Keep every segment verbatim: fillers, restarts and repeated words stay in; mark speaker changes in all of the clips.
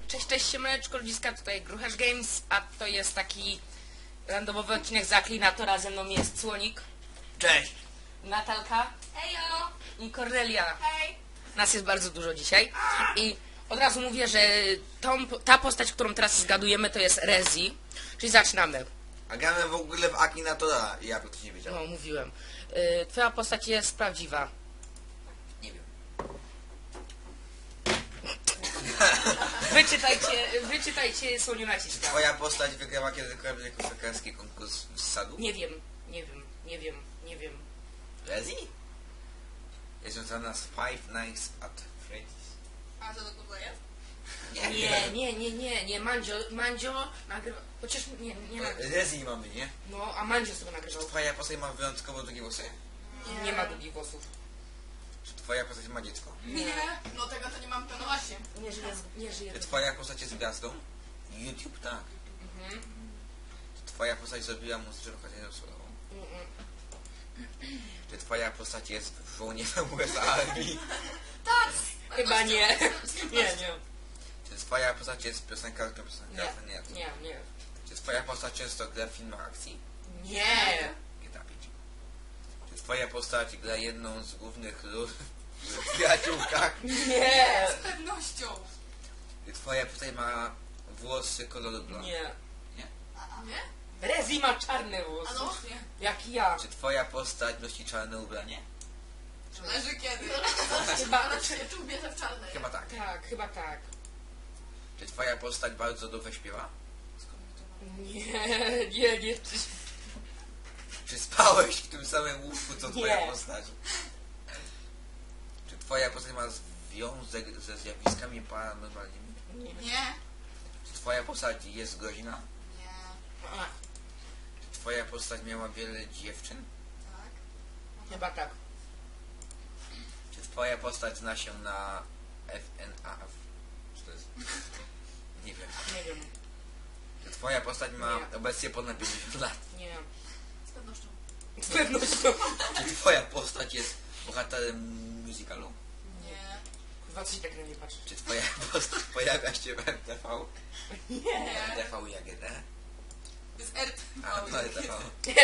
Speaker 1: Cześć, cześć, siemaneczko, ludziska, tutaj Gruchasz Games, a to jest taki randomowy odcinek z Aklinatora. Ze mną jest Słonik,
Speaker 2: Cześć!
Speaker 1: Natalka
Speaker 3: Hejo!
Speaker 1: i Cornelia.
Speaker 3: Hej!
Speaker 1: Nas jest bardzo dużo dzisiaj i od razu mówię, że tą, ta postać, którą teraz zgadujemy, to jest Rezi, czyli zaczynamy.
Speaker 2: A gramy w ogóle w Akinatora i ja ktoś nie wiedział.
Speaker 1: No, mówiłem. Y, Twoja postać jest prawdziwa.
Speaker 2: Nie wiem.
Speaker 1: Wyczytajcie, wyczytajcie, Słoniu naciska.
Speaker 2: Twoja postać wygrała kiedykolwiek koszykarski konkurs z sadu?
Speaker 1: Nie wiem, nie wiem, nie wiem, nie wiem.
Speaker 2: Rezi? Jest związana z Five Nights at Freddy's.
Speaker 3: A to do kogo jest?
Speaker 1: Nie, nie, nie, nie, nie, Mandzio, Mandzio nagrywa, chociaż nie, nie nagrywa.
Speaker 2: Rezi mamy, nie?
Speaker 1: No, a Mandzio sobie nagrywał.
Speaker 2: Twoja postać ma wyjątkowo długie włosy?
Speaker 3: Nie.
Speaker 1: Nie ma długich włosów.
Speaker 2: Czy twoja postać ma dziecko?
Speaker 3: Nie. No tego to nie mam pewno właśnie.
Speaker 1: Nie żyje, z- nie żyje.
Speaker 2: Czy twoja postać jest gwiazdą? YouTube, tak.
Speaker 1: Mhm.
Speaker 2: Czy twoja postać zrobiła muzyczną karierę solową?
Speaker 1: Mm-mm.
Speaker 2: Czy twoja postać jest żołnierzem U S A Armii?
Speaker 3: Tak!
Speaker 1: Chyba nie. Nie, nie.
Speaker 2: Czy twoja postać jest piosenkarką piosenkarką? Nie.
Speaker 1: Nie, nie.
Speaker 2: Czy twoja postać często gra w filmach akcji?
Speaker 1: Nie.
Speaker 2: G T A pięć. Czy twoja postać gra jedną z głównych ról w Przyjaciółkach?
Speaker 1: Nie.
Speaker 3: Z pewnością.
Speaker 2: Czy twoja postać ma włosy koloru blond?
Speaker 1: Nie.
Speaker 2: Nie?
Speaker 3: A, nie?
Speaker 1: Rezi ma czarne
Speaker 3: A no
Speaker 1: włosy.
Speaker 3: właśnie.
Speaker 1: Jak ja.
Speaker 2: Czy twoja postać nosi czarne ubranie?
Speaker 3: Leży kiedy?
Speaker 1: Chyba,
Speaker 3: Ale czy tu bierze w czarnej?
Speaker 2: Chyba tak.
Speaker 1: tak, chyba tak.
Speaker 2: Czy twoja postać bardzo dobrze śpiewa?
Speaker 1: Nie, nie, nie.
Speaker 2: Czy spałeś w tym samym łóżku co twoja
Speaker 1: Nie.
Speaker 2: postać? Czy twoja postać ma związek ze zjawiskami paranormalnymi?
Speaker 1: Nie.
Speaker 3: Nie.
Speaker 2: Czy twoja postać jest groźna?
Speaker 3: Nie.
Speaker 1: A,
Speaker 2: Czy twoja postać miała wiele dziewczyn?
Speaker 3: Tak.
Speaker 1: chyba tak.
Speaker 2: Czy twoja postać zna się na F N A F? Co to jest? Nie wiem.
Speaker 1: Nie wiem.
Speaker 2: Czy twoja postać ma
Speaker 1: Nie.
Speaker 2: obecnie ponad pięćdziesiąt lat?
Speaker 1: Nie.
Speaker 3: Z pewnością.
Speaker 1: Z pewnością.
Speaker 2: Czy twoja postać jest bohaterem musicalu?
Speaker 3: Nie.
Speaker 1: Chyba coś tak na nie patrzy.
Speaker 2: Czy twoja postać pojawia się w R T V?
Speaker 1: Nie.
Speaker 2: R T V i A G D?
Speaker 3: To jest R.
Speaker 2: A, to R T V.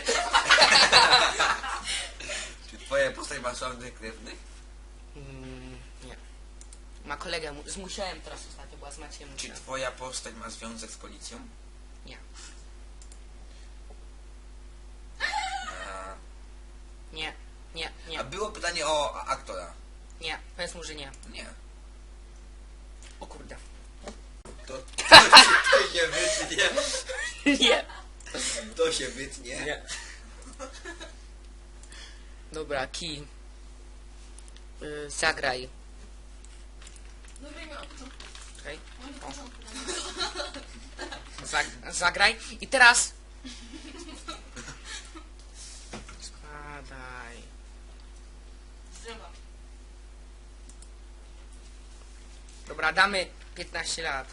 Speaker 2: Czy twoja postać ma sławnych krewnych?
Speaker 1: Mm, nie. Ma kolegę mu- z Musiałem teraz ostatnio, była z Maciejem
Speaker 2: Czy
Speaker 1: Musiem.
Speaker 2: twoja postać ma związek z policją?
Speaker 1: Nie.
Speaker 2: A,
Speaker 1: Nie. Nie.
Speaker 2: a
Speaker 1: Nie.
Speaker 2: było pytanie o a- aktora.
Speaker 1: Nie. Powiedz mu, że nie.
Speaker 2: Nie.
Speaker 1: O kurde.
Speaker 2: To, to, to się wytnie.
Speaker 1: Nie.
Speaker 2: To się wytnie.
Speaker 1: Nie. Dobra, Ki. Y, zagraj.
Speaker 3: Zagrajmy od początku.
Speaker 1: Czekaj.
Speaker 3: Od
Speaker 1: O.
Speaker 3: początku.
Speaker 1: Zag zagraj. I teraz... Składaj.
Speaker 3: Z drzewa.
Speaker 1: Dobra, damy piętnaście lat.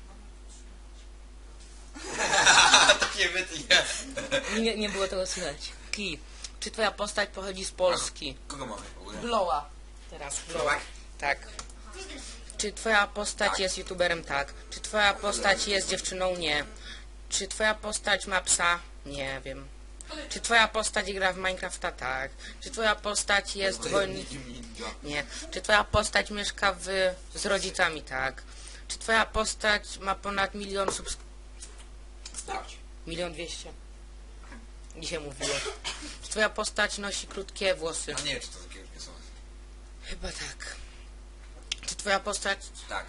Speaker 2: To się wytnie.
Speaker 1: Nie, nie było tego słychać. Ki. Czy twoja postać pochodzi z Polski?
Speaker 2: Kogo mamy w ogóle?
Speaker 1: Bloła. Teraz Bloła. Tak. Czy twoja postać
Speaker 2: Tak.
Speaker 1: jest youtuberem? Tak. Czy twoja postać jest dziewczyną? Nie. Czy twoja postać ma psa? Nie wiem. Czy twoja postać gra w Minecrafta? Tak. Czy twoja postać jest wojownikiem? Nie. Czy twoja postać mieszka w, z rodzicami? Tak. Czy twoja postać ma ponad milion subs...
Speaker 2: Sprawdź.
Speaker 1: Milion dwieście. Dzisiaj mówiłem. Czy twoja postać nosi krótkie włosy?
Speaker 2: A nie wiem, czy to takie są.
Speaker 1: Chyba tak. Czy twoja postać...
Speaker 2: Tak.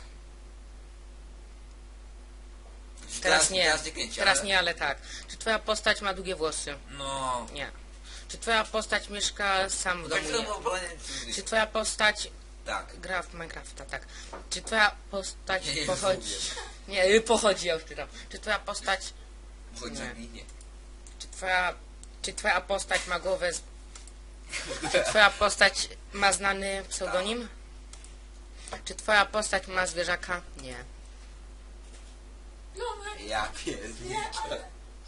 Speaker 1: Teraz nie.
Speaker 2: Teraz nie kręci,
Speaker 1: Teraz
Speaker 2: ale-
Speaker 1: nie, ale tak. Czy twoja postać ma długie włosy?
Speaker 2: No.
Speaker 1: Nie. Czy twoja postać mieszka sam w
Speaker 2: Tak
Speaker 1: domu? Nie.
Speaker 2: samo powiem.
Speaker 1: Czy twoja postać
Speaker 2: Tak.
Speaker 1: gra w Minecrafta? Tak. Czy twoja postać
Speaker 2: Nie, nie
Speaker 1: pochodzi...
Speaker 2: rozumiem.
Speaker 1: Nie, pochodzi, ja już czytam. Czy twoja postać...
Speaker 2: Chodź
Speaker 1: Nie.
Speaker 2: zaginie.
Speaker 1: Czy twoja... Czy twoja postać ma głowę z... Czy twoja postać ma znany pseudonim? Czy twoja postać ma zwierzaka? Nie.
Speaker 3: Lomek.
Speaker 2: Ja pierdolę.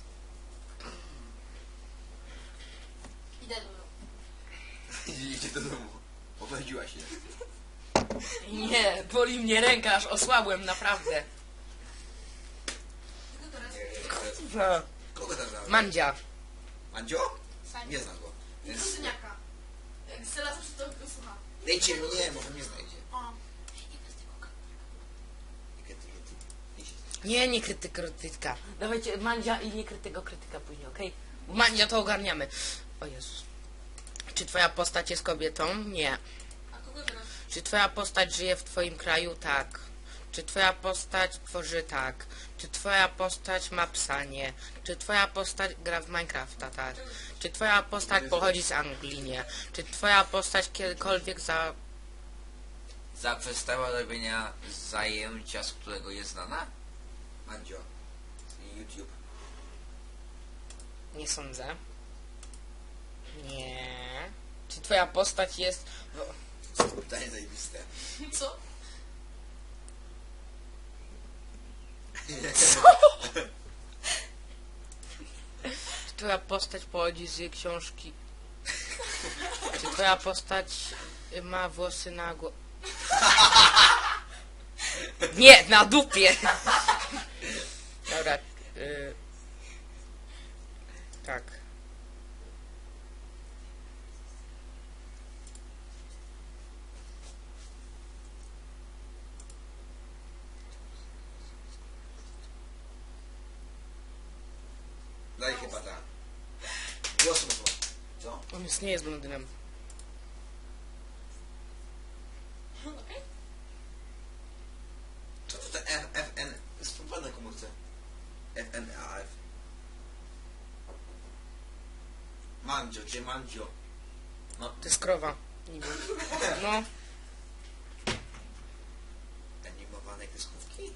Speaker 3: Idę do domu.
Speaker 2: Idzie do domu. Pochodziła się.
Speaker 1: Nie, boli mnie ręka, aż osłabłem, naprawdę. kurwa.
Speaker 2: Kogo tam znalazłeś?
Speaker 1: Mandzia.
Speaker 2: Mandzio?
Speaker 3: Sani.
Speaker 2: Nie znam go.
Speaker 3: I
Speaker 2: Więc
Speaker 3: Kruzyniaka. Jak Syla zawsze to go słucha.
Speaker 2: dajcie mi, nie, może mnie znajdzie.
Speaker 3: O.
Speaker 2: I kiedy, kiedy. Nie się
Speaker 1: Nie, nie krytyka, krytyka. Dawajcie Mandzia i nie krytyka, krytyka później, okej? Bo Mandzia to ogarniamy. O Jezus. Czy twoja postać jest kobietą? Nie.
Speaker 3: A kogo teraz?
Speaker 1: Czy twoja postać żyje w twoim kraju? Tak. Czy twoja postać tworzy? Tak. Czy twoja postać ma psa? Nie. Czy twoja postać gra w Minecrafta? Tak. Czy twoja postać pochodzi z Anglii? Nie. Czy twoja postać kiedykolwiek za...
Speaker 2: Zaprzestała robienia zajęcia, z którego jest znana? Mandzio. I YouTube.
Speaker 1: Nie sądzę. Nie. Czy twoja postać jest...
Speaker 2: To jest pytanie zajebiste.
Speaker 3: Co?
Speaker 1: Czy twoja postać pochodzi z książki? Czy twoja postać y, ma włosy na głowie? Nie, na dupie! Dobra. Y... Tak.
Speaker 2: Daj chyba tak. Głos mu co?
Speaker 1: On jest, nie jest blondynem.
Speaker 3: Okej.
Speaker 2: Co to te F, F, N? Spróbuj na komórce. F, N, A, F. Mandzio, gdzie Mandzio? No,
Speaker 1: To jest krowa. Niby. No.
Speaker 2: animowane kreskówki?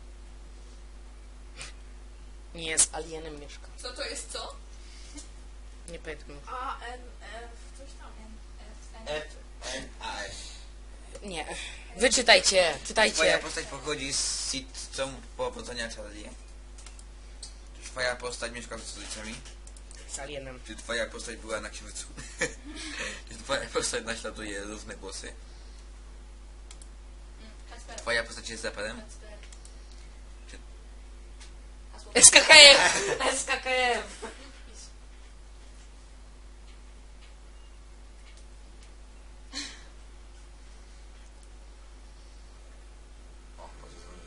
Speaker 1: Nie, z alienem mieszka.
Speaker 3: Co to jest co?
Speaker 1: Nie pamiętam.
Speaker 3: A, N, F, coś tam. N, F, N.
Speaker 2: F, N, A, F.
Speaker 1: Nie. Wyczytajcie,
Speaker 2: Twoja
Speaker 1: czytajcie.
Speaker 2: postać pochodzi z sitcom Powodzenia Charlie? Czy twoja postać mieszka z rodzicami?
Speaker 1: Z alienem.
Speaker 2: Czy twoja postać była na księżycu? Czy twoja postać naśladuje różne głosy?
Speaker 3: Mm, Kacper.
Speaker 2: Twoja postać jest raperem?
Speaker 3: Kacper.
Speaker 2: Czy-
Speaker 3: Hasło.
Speaker 1: S K K F! S K K F!
Speaker 3: Wpis.
Speaker 2: O, może zrobię.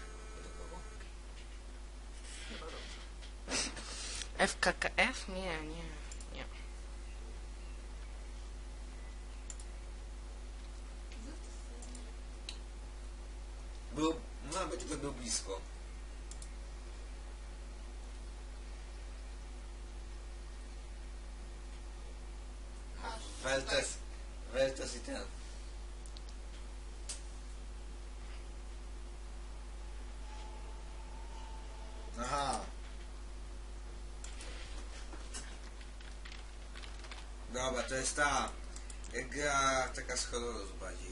Speaker 1: F K K F? Nie, nie, nie.
Speaker 2: Był, nawet tylko był blisko.
Speaker 3: Masz.
Speaker 2: Weltes, Weltes i ten. Aha. Dobra, to jest ta gra taka z horroru bardziej.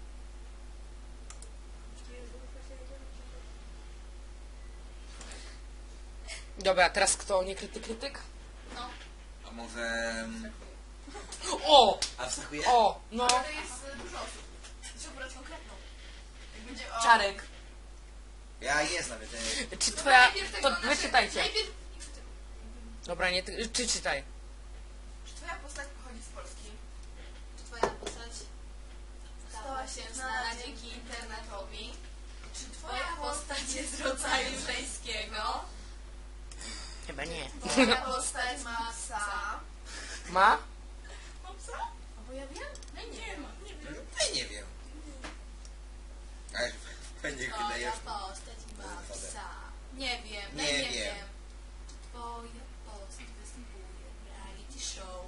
Speaker 1: Dobra, teraz kto? Nie krytyk, krytyk?
Speaker 3: No.
Speaker 2: A może... mm,
Speaker 1: O!
Speaker 2: Abstrahuję?
Speaker 1: O! No!
Speaker 3: Ale to jest e, dużo osób. Trzeba brać konkretną. Jak będzie o...
Speaker 1: Czarek.
Speaker 2: Ja nie znam ten...
Speaker 1: Czy
Speaker 3: Dobra,
Speaker 1: twoja...
Speaker 3: najpierw tego,
Speaker 1: To
Speaker 3: znaczy,
Speaker 1: wyczytajcie.
Speaker 3: Najpierw...
Speaker 1: Dobra, nie... ty- Czy czytaj?
Speaker 3: Czy twoja postać pochodzi z Polski? Czy twoja postać stała się znana dzięki internetowi? Czy twoja postać jest z rodzaju żeńskiego?
Speaker 1: Chyba nie.
Speaker 3: Twoja postać ma psa?
Speaker 1: Ma?
Speaker 3: Ma psa? A bo ja wiem? No nie ma, nie wiem.
Speaker 2: Ja nie wiem. Ale będzie
Speaker 3: Twoja
Speaker 2: wydajesz...
Speaker 3: postać ma psa? Nie wiem,
Speaker 2: Nie
Speaker 3: nie, nie
Speaker 2: wiem.
Speaker 3: wiem. Twoja postać występuje w reality show?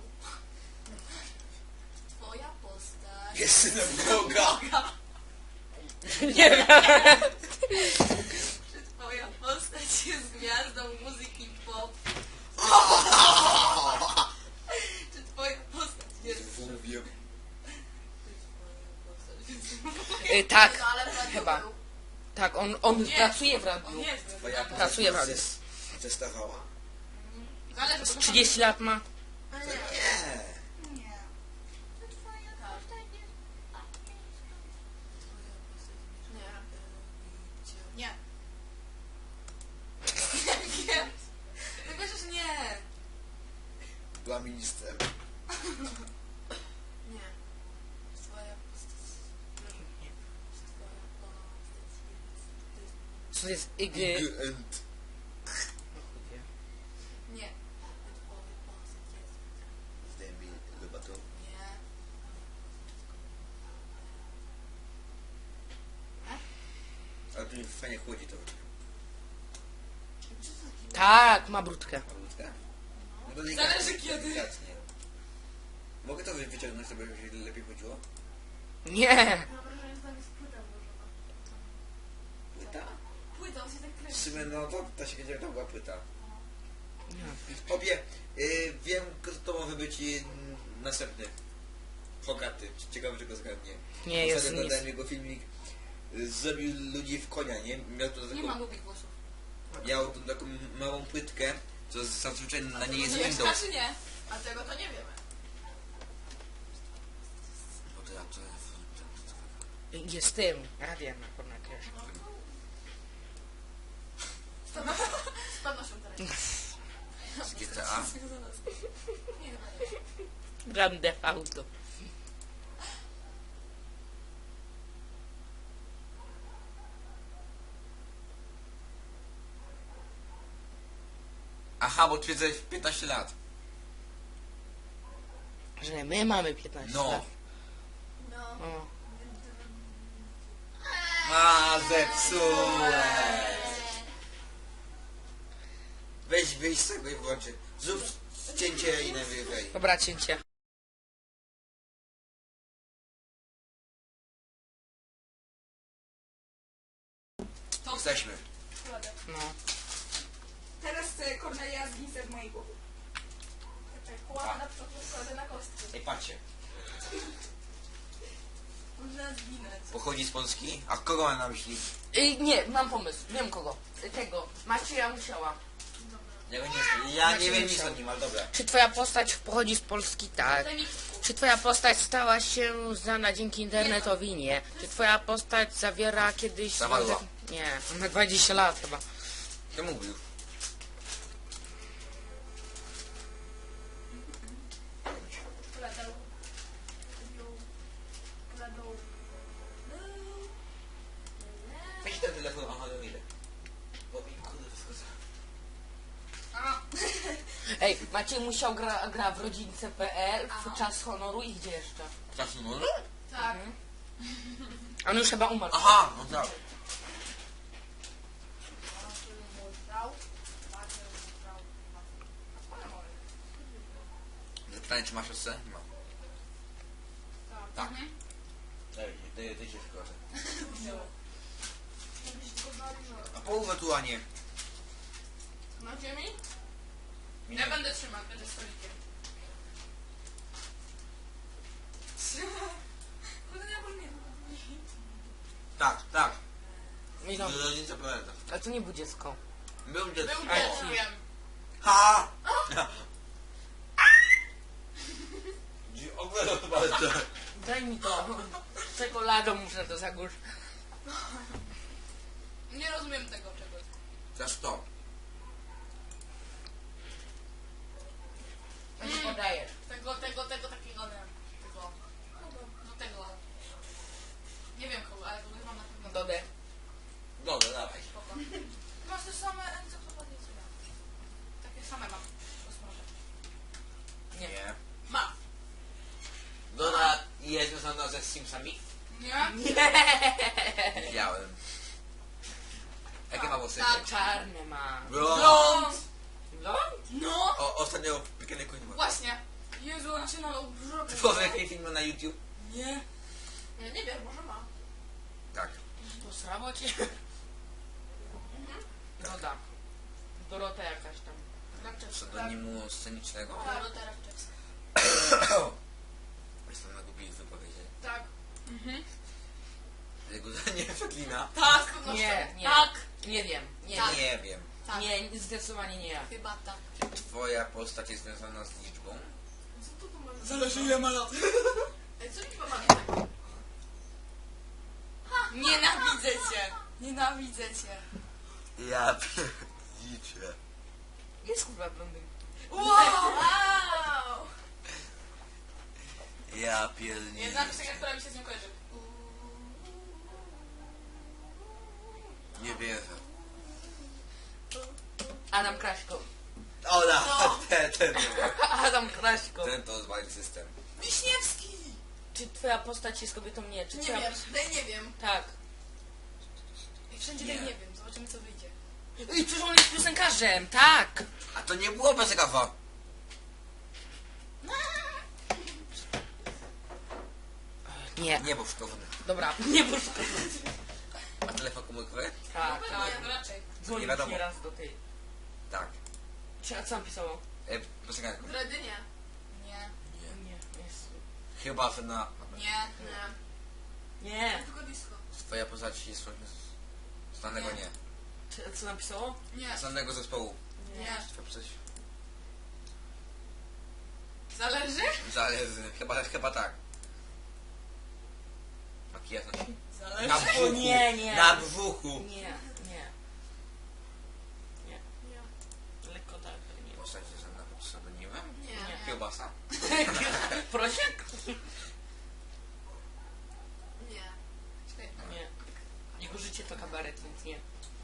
Speaker 3: Twoja postać...
Speaker 2: Jest synem Boga!
Speaker 1: Nie wiem.
Speaker 3: Czy twoja postać jest gwiazdą muzyki pop? Czy twoja postać jest...
Speaker 2: Mówię.
Speaker 1: Y, tak,
Speaker 3: No, ale w radiu
Speaker 1: chyba.
Speaker 3: był.
Speaker 1: Tak, on, on
Speaker 3: Nie.
Speaker 1: pracuje w
Speaker 3: On
Speaker 1: radiu.
Speaker 3: jest.
Speaker 2: Twoja postać
Speaker 1: Pracuje w radiu.
Speaker 2: testowała?
Speaker 3: Zależy, bo to
Speaker 1: trzydzieści lat ma.
Speaker 3: Ale
Speaker 2: To
Speaker 3: nie.
Speaker 2: nie.
Speaker 3: Nie. To twoja postać jest... Nie. Nie. Nie wiem.
Speaker 2: była ministrem.
Speaker 3: Nie. Twoja postać... Twoja postać jest...
Speaker 1: Co jest ig...
Speaker 2: End.
Speaker 3: Nie. Twoja postać jest...
Speaker 2: Zdejmij lobatą.
Speaker 3: Nie.
Speaker 2: Ale tu mi fajnie chłodzi to.
Speaker 1: Tak, ma brudkę.
Speaker 2: Malutkę? No to delikatnie,
Speaker 3: Zależy kiedy.
Speaker 2: delikatnie. Mogę to wyciągnąć, żeby się lepiej chodziło?
Speaker 1: Nie!
Speaker 3: Mam wrażenie, że tam jest płyta włożona.
Speaker 2: Płyta?
Speaker 3: Płyta, on się tak
Speaker 2: W
Speaker 3: kręci.
Speaker 2: sumie no to ta się wiedziała, że to była płyta.
Speaker 1: Nie.
Speaker 2: Obie, y, wiem kto to może być y, następny. Hogaty. Ciekawe, czy go zgadnie.
Speaker 1: Nie, jest
Speaker 2: Ostatnio
Speaker 1: nic.
Speaker 2: dodałem jego filmik. y, Zrobił ludzi w konia, nie? Miał to
Speaker 3: Nie
Speaker 2: taką,
Speaker 3: ma długich włosów.
Speaker 2: miał tą taką małą płytkę, co zazwyczaj na niej jest
Speaker 3: To
Speaker 2: window.
Speaker 3: mieszka czy nie? A tego to nie wiemy.
Speaker 2: Bo to ja to...
Speaker 1: Jest tym. Radia na pornakresie.
Speaker 3: Z pewnością, z pewnością teraz.
Speaker 2: Z G T A.
Speaker 3: Nie chyba nie.
Speaker 1: Grand Theft Auto.
Speaker 2: Aha, bo ty jesteś piętnaście lat.
Speaker 1: Że my mamy piętnaście
Speaker 2: No.
Speaker 1: lat.
Speaker 3: No.
Speaker 1: O.
Speaker 2: A, zepsułeś. Weź wyjść z tego i włączę. Zrób cięcie i najwyżej.
Speaker 1: Dobra, cięcie.
Speaker 3: To
Speaker 2: Jesteśmy.
Speaker 3: kładę.
Speaker 1: No.
Speaker 3: Teraz e, Kornelia zginie w mojej głowie. Czekaj, kładę na przykład kładę na kostkę.
Speaker 2: Ej, patrzcie.
Speaker 3: Można zginąć.
Speaker 2: Pochodzi z Polski? A kogo ma na myśli?
Speaker 1: Y, nie, mam pomysł. Wiem kogo. Y, Tego. Macieja Musiała.
Speaker 2: Ja, go nie, ja nie wiem nic o nim, ale dobra.
Speaker 1: Czy twoja postać pochodzi z Polski? Tak.
Speaker 3: Daj mi...
Speaker 1: Czy twoja postać stała się znana dzięki internetowi? Nie. Czy twoja postać zawiera kiedyś...
Speaker 2: Zawarła.
Speaker 1: związek- Nie. Na dwadzieścia lat chyba.
Speaker 2: Kto mówił?
Speaker 3: Kładał. Kładał.
Speaker 2: Weź ten telefon, aha, no idę. Bo mi kurde wschodzę.
Speaker 3: A.
Speaker 1: Ej, Maciej Musiał gra, gra w rodzince kropka pe el, w Czas Honoru i gdzie jeszcze?
Speaker 2: Czas numer?
Speaker 3: Tak.
Speaker 1: On już chyba umarł.
Speaker 2: Aha, no tak. Zapytanie, czy masz siostrę? Nie ma. Tak. Daj, daj, daj się proszę. A połowę tu, a nie.
Speaker 3: Na ziemi?
Speaker 2: Nie.
Speaker 3: Ja będę trzymać, będę stolikiem. Kurde, ja bym nie.
Speaker 2: Tak, tak.
Speaker 1: Michał,
Speaker 2: Rodzice powiada.
Speaker 1: ale to nie był dziecko.
Speaker 2: Był dziecko.
Speaker 3: Był
Speaker 1: A,
Speaker 3: dzieckiem.
Speaker 2: Ha! Ogólnie to bardzo.
Speaker 1: Daj mi to. Czekoladą muszę to zagórz.
Speaker 3: Nie rozumiem tego czegoś.
Speaker 2: Teraz to.
Speaker 1: Ja ci podajesz.
Speaker 3: Tego, tego, tego, takiego, nie. Tego. No tego. Nie wiem kogo, ale kogoś mam na pewno.
Speaker 1: Dodę.
Speaker 2: Dobra, dawaj.
Speaker 3: Spoko. Masz te same encyklopedie co ja. Takie same mam. Osmaże.
Speaker 1: Nie.
Speaker 2: Nie.
Speaker 3: Ma.
Speaker 2: Dobra, jest związana ze Simsami?
Speaker 3: Nie?
Speaker 2: Nie widziałem. Jakie ma włosy?
Speaker 3: Tak.
Speaker 1: Czarny ma.
Speaker 2: Blond.
Speaker 1: Blond?
Speaker 3: No!
Speaker 2: O, ostatnio piekielny koń ma.
Speaker 3: Właśnie. Jezu, on się nalał brzuch.
Speaker 2: Typowy jaki film na YouTube?
Speaker 3: Nie. Nie, nie wiem, może ma.
Speaker 2: Tak.
Speaker 1: Posrało cię? Doda. Dorota jakaś tam.
Speaker 3: Rapczewska.
Speaker 2: Pseudonimu scenicznego?
Speaker 3: Tak, Dorota Rapczewska.
Speaker 2: Jestem na głupi wypowiedzi.
Speaker 3: Tak. Mhm.
Speaker 2: Jego nie przeklina.
Speaker 3: Tak, z pewnością.
Speaker 1: Nie, nie.
Speaker 3: Tak.
Speaker 1: Nie wiem. Nie,
Speaker 3: Tak.
Speaker 1: nie.
Speaker 2: Nie wiem.
Speaker 3: Tak.
Speaker 1: Nie, zdecydowanie nie ja.
Speaker 3: Chyba tak.
Speaker 2: Twoja postać jest związana z liczbą?
Speaker 3: Co tu ma?
Speaker 1: Zależy ile ma lat.
Speaker 3: Ej, co liczba ma nie tak?
Speaker 4: Nienawidzę cię. Nienawidzę cię.
Speaker 2: Ja pierdziczę.
Speaker 1: Jest kurwa blondyn.
Speaker 4: Wow!
Speaker 3: Wow!
Speaker 2: Ja pierdolę.
Speaker 4: Jedna piosenka, która mi się z nią kojarzy.
Speaker 2: Nie wierzę.
Speaker 1: Adam Kraśko.
Speaker 2: Ola, ten, ten, ten.
Speaker 1: Adam Kraśko.
Speaker 2: Ten to zwalił system.
Speaker 3: Wiśniewski!
Speaker 1: Czy twoja postać jest kobietą? Nie. Czy
Speaker 3: Nie
Speaker 1: twoja...
Speaker 3: wiem, daj nie wiem.
Speaker 1: Tak.
Speaker 4: I wszędzie
Speaker 2: Nie.
Speaker 4: tak nie wiem, zobaczymy co wyjdzie.
Speaker 1: I przecież on jest piosenkarzem, tak.
Speaker 2: A to nie było bez kawa.
Speaker 1: Nie.
Speaker 2: Nie był sztywny.
Speaker 1: Dobra, nie było.
Speaker 2: A telefon komórkowy?
Speaker 1: Tak,
Speaker 4: Tak,
Speaker 1: tak.
Speaker 4: no raczej.
Speaker 1: Dzwonił
Speaker 2: Nie wiadomo.
Speaker 1: nieraz do tej.
Speaker 2: Tak.
Speaker 1: Czy a co napisało?
Speaker 2: E, piosenkarką.
Speaker 3: W Redynie.
Speaker 4: Nie,
Speaker 1: Nie, jest.
Speaker 2: Chyba, że na...
Speaker 4: nie,
Speaker 3: Nie.
Speaker 1: Nie.
Speaker 3: Tylko disco.
Speaker 2: Twoja postać jest właśnie z znanego nie.
Speaker 1: Czy, co napisało?
Speaker 4: nie,
Speaker 2: Z znanego zespołu.
Speaker 4: nie.
Speaker 2: Twoja postać...
Speaker 4: Zależy?
Speaker 2: Zależy. Chyba, chyba tak. Makijaż nosi?
Speaker 4: Zależy.
Speaker 2: Na brzuchu.
Speaker 1: Nie, nie.
Speaker 2: Na brzuchu.
Speaker 1: Nie, nie. Nie.
Speaker 3: Nie.
Speaker 1: Lekko tak, ale nie.
Speaker 2: Postać jest znana pod pseudonimem?
Speaker 3: Nie.
Speaker 1: Nie.
Speaker 2: Kiełbasa.
Speaker 1: Prosiek?
Speaker 3: Nie.
Speaker 4: Czekaj.
Speaker 1: Nie. Jego życie to kabaret, więc nie.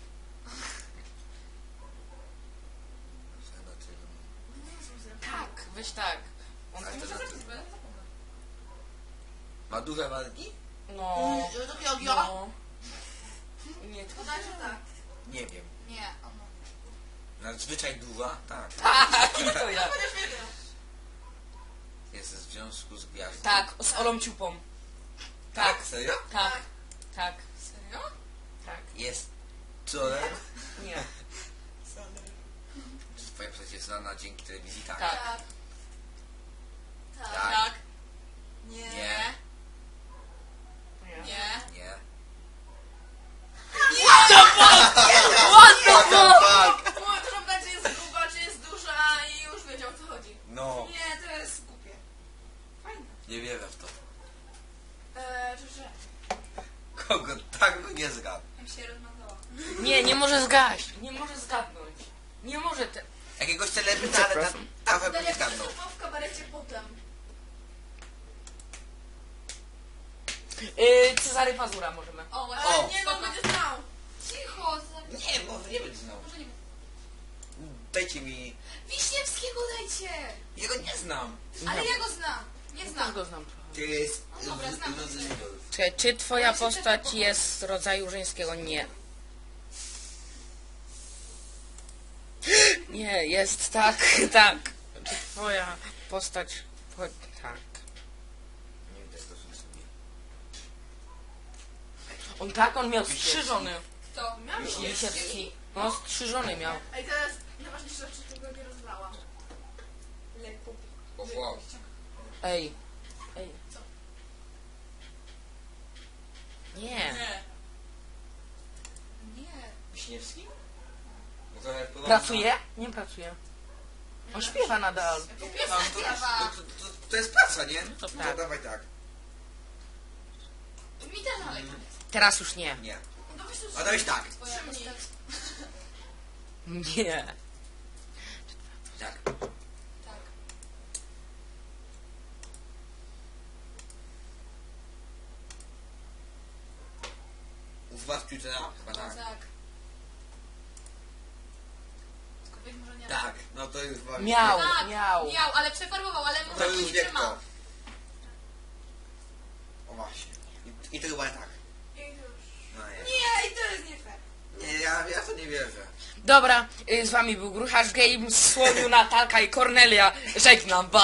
Speaker 1: Tak, weź tak. On
Speaker 2: Ale to
Speaker 4: Muszę
Speaker 2: znaczy-
Speaker 4: zapisać, bo ja zapomnę.
Speaker 2: Ma duże walki?
Speaker 1: No.
Speaker 3: Mm, To Jogio?
Speaker 1: No. Nie, to
Speaker 3: Podaj, że tak.
Speaker 2: Nie wiem.
Speaker 4: Nie, ono.
Speaker 2: Nadzwyczaj duża? Tak.
Speaker 1: tak, i to ja.
Speaker 3: Chociaż nie wiem.
Speaker 2: Jest w związku z gwiazdą.
Speaker 1: Tak, z Olą Ciupą. Tak,
Speaker 2: Serio?
Speaker 1: tak, tak,
Speaker 4: Serio?
Speaker 1: tak.
Speaker 2: Jest. Co?
Speaker 1: Nie.
Speaker 2: Czy twoja postać jest znana dzięki telewizji? Tak.
Speaker 1: Tak.
Speaker 3: Tak. Tak.
Speaker 2: Tak.
Speaker 4: Tak.
Speaker 3: Nie.
Speaker 2: Nie.
Speaker 1: Nie.
Speaker 4: Nie.
Speaker 2: Nie.
Speaker 1: What the fuck?
Speaker 3: Mówię, to żąda, czy jest gruba, czy jest duża i już wiedział o co chodzi.
Speaker 2: No.
Speaker 3: Nie, to jest głupie. Fajne.
Speaker 2: Nie wierzę w to.
Speaker 3: Eee, czy że?
Speaker 2: Kogo tak by nie zgadł?
Speaker 4: Ja mi się rozmazała.
Speaker 1: Nie, nie może zgaść. Nie może zgadnąć. Nie może te...
Speaker 2: Jakiegoś celebryta, ale ta, ta by
Speaker 3: Dania
Speaker 2: nie zgadnął.
Speaker 3: występował w kabarecie potem.
Speaker 1: Yy, Cezary Pazura możemy.
Speaker 4: O, właśnie.
Speaker 3: Ale
Speaker 2: O.
Speaker 3: nie, no
Speaker 4: Spoko.
Speaker 3: będzie znał.
Speaker 4: Cicho, za...
Speaker 2: Nie, może nie będzie znał.
Speaker 4: Może nie...
Speaker 2: Dajcie mi...
Speaker 4: Wiśniewskiego dajcie!
Speaker 2: Jego nie znam.
Speaker 4: Ale ja go znam. Nie
Speaker 1: Też
Speaker 4: znam.
Speaker 1: go znam trochę.
Speaker 2: To jest...
Speaker 4: No dobra, znam.
Speaker 1: Czekaj, czy twoja postać jest z rodzaju żeńskiego? Nie. Nie, jest tak, tak. Czy twoja postać... po- Tak.
Speaker 2: Nie widać to sobie.
Speaker 1: On tak, on miał strzyżony.
Speaker 4: To
Speaker 3: Miałam się.
Speaker 1: Lisiecki. No, strzyżony miał.
Speaker 3: Ej, teraz najważniejsza rzecz, że tego nie rozlała.
Speaker 4: Leku.
Speaker 2: O, wow.
Speaker 1: Ej. Ej.
Speaker 3: Co?
Speaker 1: Nie.
Speaker 4: Nie. Nie.
Speaker 2: Wiśniewski? No to jak podobno-
Speaker 1: Pracuje? Nie pracuje. On śpiewa nadal.
Speaker 2: No, to, to, to, to, to jest praca, nie?
Speaker 1: To
Speaker 2: To
Speaker 1: tak.
Speaker 2: dawaj tak.
Speaker 4: Mi też ale
Speaker 1: Teraz już nie.
Speaker 2: Nie.
Speaker 3: No to weź to
Speaker 2: A dałeś tak.
Speaker 4: twoja postać.
Speaker 1: Nie.
Speaker 2: Tak.
Speaker 4: Tak.
Speaker 2: U was Twittera? Chyba tak.
Speaker 4: Tak. Aczkolwiek może nie.
Speaker 2: Tak, no to już wam...
Speaker 1: Miał,
Speaker 4: Tak,
Speaker 1: miał.
Speaker 4: miał, ale przefarbował, ale
Speaker 2: To
Speaker 4: może
Speaker 2: już
Speaker 4: nie
Speaker 2: wie
Speaker 4: trzyma.
Speaker 2: kto. O właśnie. I, i to chyba tak.
Speaker 3: I już.
Speaker 2: No nie.
Speaker 3: Nie, i to jest nie fair.
Speaker 2: Nie, ja, ja to nie wierzę.
Speaker 1: Dobra, y, z wami był Grucharz Games, Słoniu, Natalka i Kornelia. Żegnam, ba.